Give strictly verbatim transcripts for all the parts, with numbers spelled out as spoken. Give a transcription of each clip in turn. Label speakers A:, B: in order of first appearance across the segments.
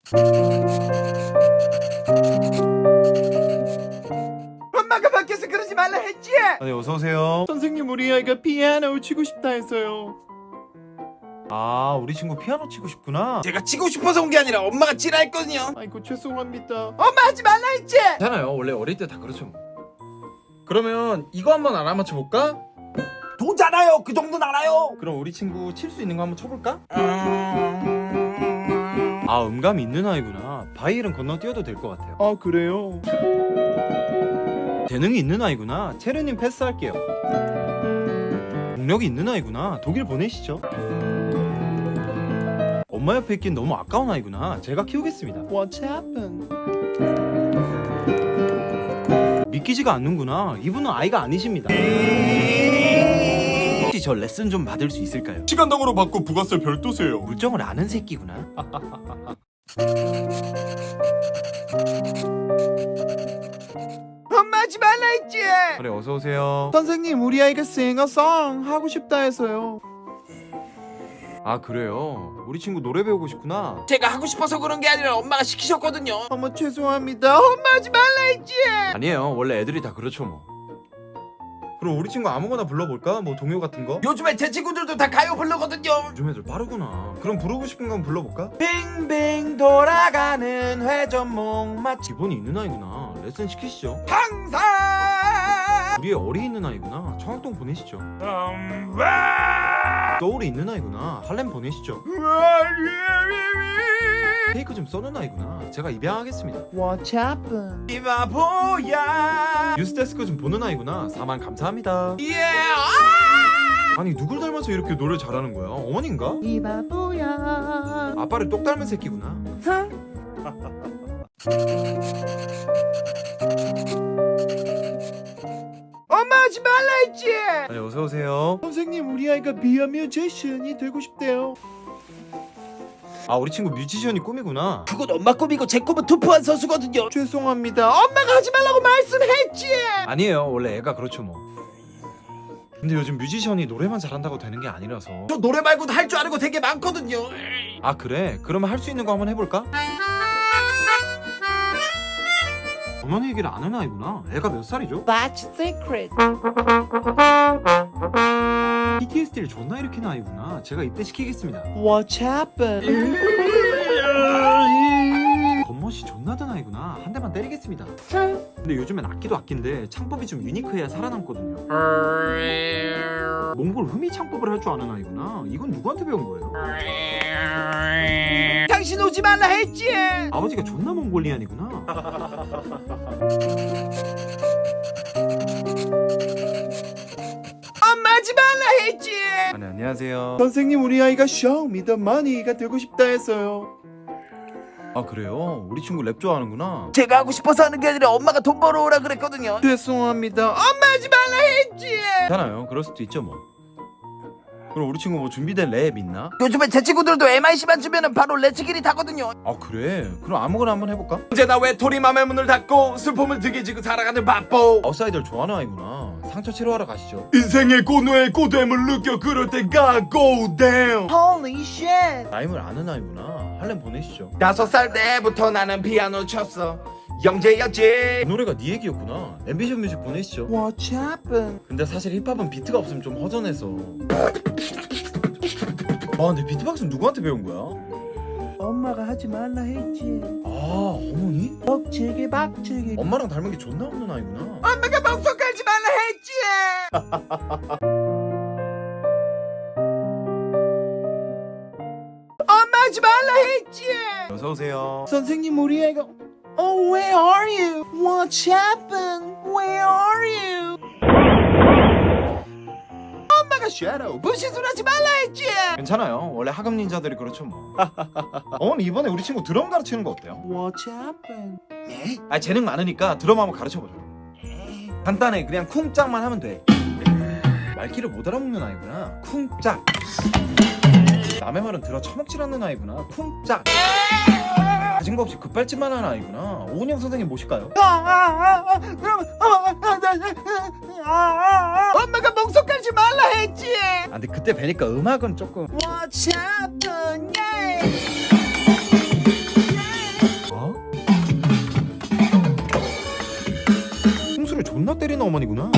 A: 엄마가 밖에서 그러지 말라 했지?
B: 아, 네, 어서오세요.
C: 선생님, 우리 아이가 피아노 치고 싶다 해서요.
B: 아, 우리 친구 피아노 치고 싶구나.
A: 제가 치고 싶어서 온 게 아니라 엄마가 치라 했거든요.
C: 아이고, 죄송합니다.
A: 엄마 하지 말라 했지?
C: 괜찮아요. 원래 어릴 때 다 그렇죠 뭐. 그러면 이거 한번 알아맞혀 볼까?
A: 도잖아요. 그 정도는 알아요.
C: 그럼 우리 친구 칠 수 있는 거 한번 쳐볼까?
B: 아, 음감이 있는 아이구나. 바이엘은 건너뛰어도 될 것 같아요.
C: 아, 그래요?
B: 재능이 있는 아이구나. 체르님 패스할게요. 능력이 있는 아이구나. 독일 보내시죠. 엄마 옆에 있긴 너무 아까운 아이구나. 제가 키우겠습니다.
C: What's happened?
B: 믿기지가 않는구나. 이분은 아이가 아니십니다. 혹시 저 레슨 좀 받을 수 있을까요?
C: 시간당으로 받고 부가세 별도세요.
B: 물정을 아는 새끼구나.
A: 엄마 하지 말라 했지?
B: 그래, 어서 오세요.
C: 선생님, 우리 아이가 싱어송 하고 싶다 해서요.
B: 아, 그래요? 우리 친구 노래 배우고 싶구나.
A: 제가 하고 싶어서 그런 게 아니라 엄마가 시키셨거든요.
C: 어머, 죄송합니다. 엄마 하지 말라 했지?
B: 아니에요. 원래 애들이 다 그렇죠 뭐. 그럼 우리 친구 아무거나 불러볼까? 뭐 동요 같은 거?
A: 요즘에 제 친구들도 다 가요 부르거든요.
B: 요즘 애들 빠르구나. 그럼 부르고 싶은 거 한번 불러볼까?
A: 빙빙 돌아가는 회전목 맛
B: 기본이 있는 아이구나. 레슨 시키시죠.
A: 항상
B: 우리의 어리 있는 아이구나. 청학동 보내시죠. 서울에 있는 아이구나. 할렘 보내시죠. 케이크 좀 써는 아이구나. 제가 입양하겠습니다.
C: What's happened?
A: 이 바보야.
B: 뉴스데스크 좀 보는 아이구나. 사만 감사합니다.
A: 예.
B: 아니, 누굴 닮아서 이렇게 노래 잘하는 거야? 어머니인가?
C: 이 바보야.
B: 아빠를 똑 닮은 새끼구나.
A: 엄마 하지 말라 했지?
B: 네, 어서 오세요.
C: 선생님, 우리 아이가 비어 뮤지션이 되고 싶대요.
B: 아, 우리 친구 뮤지션이 꿈이구나.
A: 그건 엄마 꿈이고 제 꿈은 투표한 선수거든요.
C: 죄송합니다.
A: 엄마가 하지 말라고 말씀했지.
B: 아니에요. 원래 애가 그렇죠 뭐. 근데 요즘 뮤지션이 노래만 잘한다고 되는 게 아니라서.
A: 저 노래 말고도 할 줄 아는 거 되게 많거든요.
B: 아, 그래? 그러면 할 수 있는 거 한번 해볼까? 어머니 얘기를 아는 아이구나. 애가 몇 살이죠?
C: That's secret.
B: 피티에스디를 존나 일으키는 아이구나. 제가 입대시키겠습니다.
C: What's happened?
B: 겉멋이 존나 든 아이구나. 한 대만 때리겠습니다. 근데 요즘엔 악기도 악기인데 창법이 좀 유니크해야 살아남거든요. 몽골 흠이 창법을 할 줄 아는 아이구나. 이건 누구한테 배운 거예요?
A: 당신 오지 말라 했지.
B: 아버지가 존나 몽골리안이구나.
A: 엄마 하지 말라 했지.
B: 아, 네, 안녕하세요.
C: 선생님, 우리 아이가 Show Me the Money가 되고 싶다 해서요.
B: 아, 그래요? 우리 친구 랩 좋아하는구나.
A: 제가 하고 싶어서 하는 게 아니라 엄마가 돈 벌어오라 그랬거든요.
C: 죄송합니다.
A: 엄마 하지 말라 했지.
B: 괜찮아요. 그럴 수도 있죠 뭐. 그럼 우리 친구 뭐 준비된 랩 있나?
A: 요즘에 제 친구들도 엠아이씨만 주면은 바로 레츠기리 타거든요.
B: 아, 그래? 그럼 아무거나 한번 해볼까?
A: 언제나 외톨이 맘의 문을 닫고 슬픔을 등에 지고 살아가는 바보.
B: 아웃사이더를 좋아하는 아이구나. 상처 치료하러 가시죠.
C: 인생의 고뇌의 고됨을 느껴 그럴 때가 go down.
A: Holy shit.
B: 라임을 아는 아이구나. 할렘 보내시죠.
A: 다섯 살 때부터 나는 피아노 쳤어. 영재였지.
B: 그 노래가 네 얘기였구나. 앰비션 뮤직 보내시죠.
C: What's happened?
B: 근데 사실 힙합은 비트가 없으면 좀 허전해서. 아, 근데 비트박스는 누구한테 배운 거야?
C: 엄마가 하지 말라 했지.
B: 아, 어머니?
C: 벅치기 박치기.
B: 엄마랑 닮은 게 존나 없는 아이구나.
A: 엄마가 방송 깔지 말라 했지. 엄마 하지 말라 했지.
B: 어서 오세요.
C: 선생님, 우리 아이가 Oh, where are you? What's happened? Where are you?
A: 엄마가 쉐도우 분신술 하지 말라 했지.
B: 괜찮아요. 원래 하급 닌자들이 그렇죠 뭐. 어머니, 이번에 우리 친구 드럼 가르치는 거 어때요?
C: What's happened?
B: 아, 재능 많으니까 드럼 한번 가르쳐보죠. 간단해. 그냥 쿵짝만 하면 돼. 말귀를 못 알아먹는 아이구나. 쿵짝. 남의 말은 들어 처먹질 않는 아이구나. 쿵짝. 가진 거 없이 급발진만 하는 아이구나. 오은영 선생님 모실까요?
A: 엄마가 방송 깔지 말라 했지.
B: 아, 근데 그때 뵈니까 음악은 조금.
A: What's happened? Yeah.
B: 어머니구나.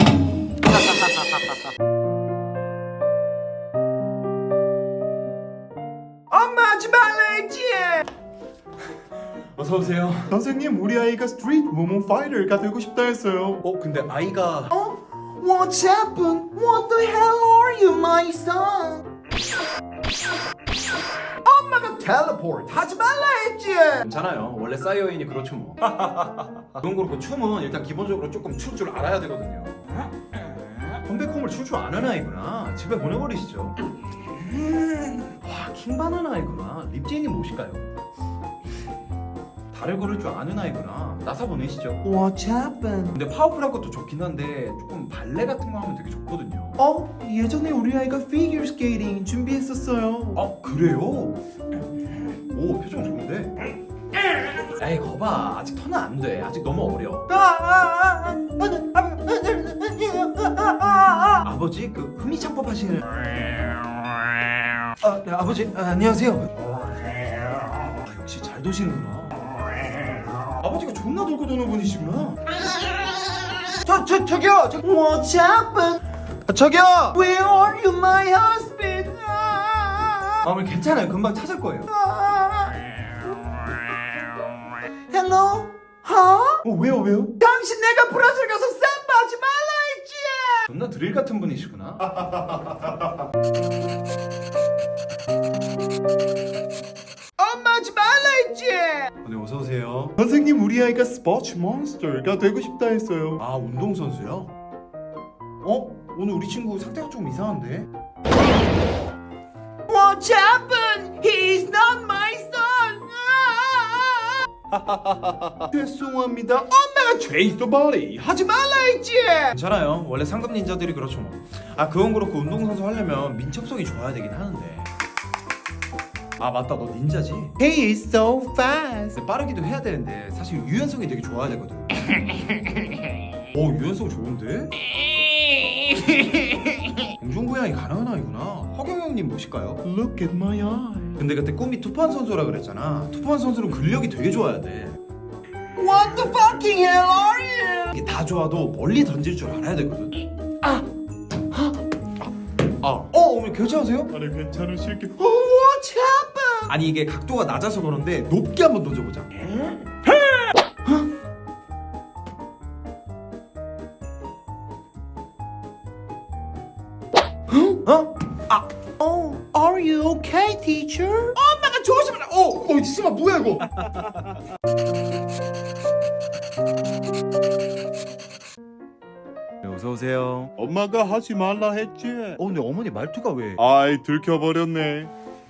A: 엄마 하지 말라 했지.
B: 어서 오세요.
C: 선생님, 우리 아이가 스트리트 모모 파이터가 되고 싶다 했어요.
B: 어 근데 아이가
C: 어? What's happened? What the hell are you, my son?
A: 엄마가 텔레포트 하지 말라 했지.
B: 괜찮아요. 원래 사이어인이 그렇죠 뭐. 그건 그렇고 춤은 일단 기본적으로 조금 출 줄 알아야 되거든요. 컴백홈을 출 줄 아는 아이구나. 집에 보내버리시죠. 와 킹받는 아이구나. 립제이님 모실까요? 달을 걸을 줄 아는 아이구나. 나사 보내시죠.
C: What's happened?
B: 근데 파워풀한 것도 좋긴 한데 조금 발레 같은 거 하면 되게 좋거든요.
C: 어? 예전에 우리 아이가 피겨 스케이팅 준비했었어요.
B: 어 그래요? 오 표정 좋은데? 에이 거봐 아직 터는 안 돼. 아직 너무 어려. 아버지 그 흥미창법 하시는 아, 네, 아버지 아, 안녕하세요. 아, 역시 잘 도시는구나. 아버지가 존나 돌고 도는 분이시구나. 저, 저, 저기요! 저,
C: What's happened?
B: 아, 저기요!
C: Where are you, my husband?
B: 아, 어머니 괜찮아요. 금방 찾을 거예요.
C: Hello? Huh?
B: 어, 왜요, 왜요?
A: 당신 내가 브라질 가서 쌈바 하지 말라 했지.
B: 존나 드릴 같은 분이시구나.
A: 엄마 하지 말라 했지.
B: 네, 어서오세요.
C: 선생님, 우리 아이가 스포츠 몬스터가 되고 싶다 했어요.
B: 아, 운동선수요? 어? 오늘 우리 친구 상태가 좀 이상한데?
A: What's happened? He's not my son.
C: 죄송합니다.
A: 엄마가 트레이스 더 바리 하지 말라 했지.
B: 괜찮아요. 원래 상급 닌자들이 그렇죠 뭐. 아, 그건 그렇고 운동선수 하려면 민첩성이 좋아야 되긴 하는데. 아, 맞다. 너 닌자지?
C: He is so fast.
B: 근데 빠르기도 해야 되는데 사실 유연성이 되게 좋아야 되거든. 오, 유연성 좋은데? 공중부양이 가능한 아이구나. 허경영님 모실까요?
C: Look at my eye.
B: 근데 그때 꿈이 투판 선수라 그랬잖아. 투판 선수는 근력이 되게 좋아야 돼.
A: What the fucking hell are you?
B: 이게 다 좋아도 멀리 던질 줄 알아야 되거든. 아, 아, 어, 어머니 괜찮으세요?
C: 아니, 괜찮으실게.
A: What's happened?
B: 아니 이게 각도가 낮아서 그런데 높게 한번 던져보자. 어? 아,
C: Oh, are you okay, teacher?
A: 엄마가 조심해라. 어,
C: 어, 지마 뭐야 이거?
B: 네, 어서 오세요.
C: 엄마가 하지 말라 했지.
B: 어, 근데 어머니 말투가 왜?
C: 아이, 들켜버렸네.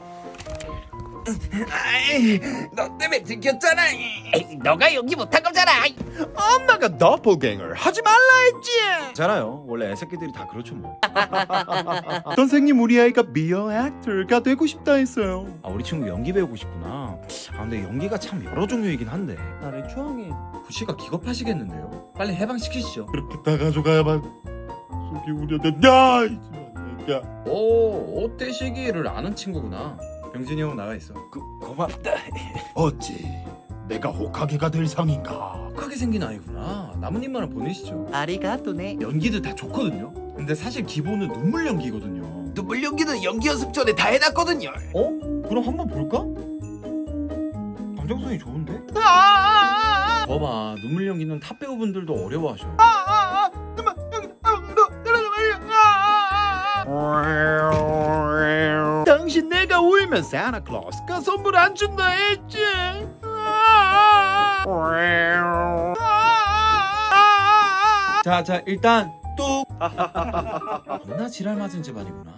A: 아이, 너 때문에 들켰잖아. 에이, 너가 연기 못한 거잖아. 엄마가 더블갱을 하지 말라 했지.
B: 괜찮아요. 원래 애새끼들이 다 그렇죠 뭐.
C: 선생님, 우리 아이가 미어 액터가 되고 싶다 했어요.
B: 아, 우리 친구 연기 배우고 싶구나. 아, 근데 연기가 참 여러 종류이긴 한데.
A: 나를 좋아해.
B: 구씨가 기겁하시겠는데요? 빨리 해방시키시죠.
C: 그렇게 다 가져가야만 속이 우려된다. 야,
B: 오, 오떼시기를 아는 친구구나. 병진이 형 나가 있어.
C: 그, 고맙다. 어찌 내가 호카게가 될 상인가?
B: 크게 생긴 아이구나. 나뭇잎만을 보내시죠.
C: 아리가또네.
B: 연기들 다 좋거든요. 근데 사실 기본은 눈물 연기거든요.
A: 눈물 연기는 연기 연습 전에 다 해놨거든요.
B: 어? 그럼 한번 볼까? 감정성이 좋은데?
A: 아,
B: 봐봐, 눈물 연기는 탑 배우분들도 어려워하셔.
A: 아, 아, 눈물 연기, 아, 너, 내려가 말이야. 아, 아. 당신 내가 울면 산타클로스가 선물 안 준다 했지. 아, 아.
B: 자, 자, 일단 뚝. 겁나 지랄 맞은 집안이구나.